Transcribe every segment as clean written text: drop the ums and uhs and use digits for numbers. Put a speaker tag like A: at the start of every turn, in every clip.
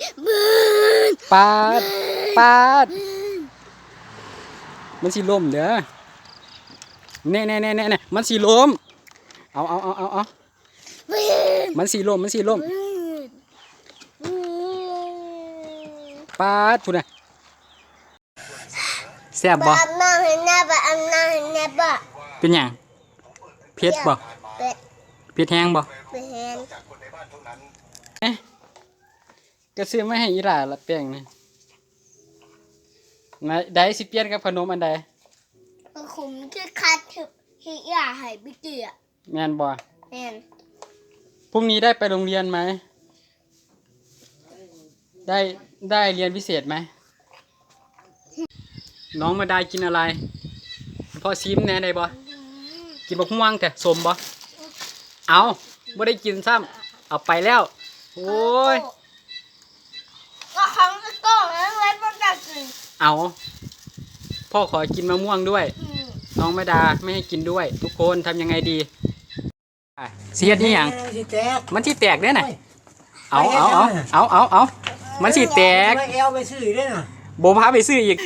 A: ปาดปาดมันสิล้มเด้อแน่มันสิล้มเอามันสิล้มปาดพูดนะแซ่บบ่เป็นหยังเผ็ดบ่เผ็ดแห้งบ่ก็ซื้อมาให้อีหล่าละแป้งนี่ได้สิเปลี่ยนกับขนมอันใด
B: ผมคือคัดที่อยากให้พี่เกีย
A: แม่นบ่
B: แม่น
A: พรุ่งนี้ได้ไปโรงเรียนไหมได้เรียนพิเศษไหมน้องมาได้กินอะไรพ่อซิมแน่ได้บ่กินบักม่วงแต่สมบ่เอาบ่ได้กินซ้ำเอาไปแล้วโอ้ย
B: ก็ครั้งก็แล้วไว้ประกาศกิน
A: เอาพ่อขอกินมะม่วงด้วยน้องไม่ดาไม่ให้กินด้วยทุกคนทำยังไงดีเสียดนี่ยังมันที่แตกเนี่ยน่ะเอามันสิแตก
C: ไปซื้อได้น่ะ
A: โบพาไปซื้ออีก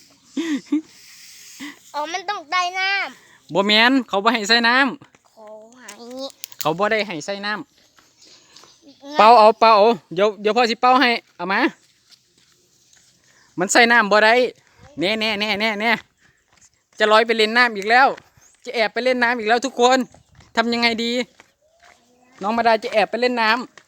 B: มันต้องได้น้
A: ำโบแมนเขาบ่ให้ใส่น้
B: ำ
A: เขาบ่ได้ให้ใส่น้ำเป่าเดี๋ยวพ่อสิเป่าให้เอามามันใส่น้ำบ่ได้แน่จะลอยไปเล่นน้ำอีกแล้วจะแอบไปเล่นน้ำอีกแล้วทุกคนทำยังไงดีน้องมาดาจะแอบไปเล่นน้ำ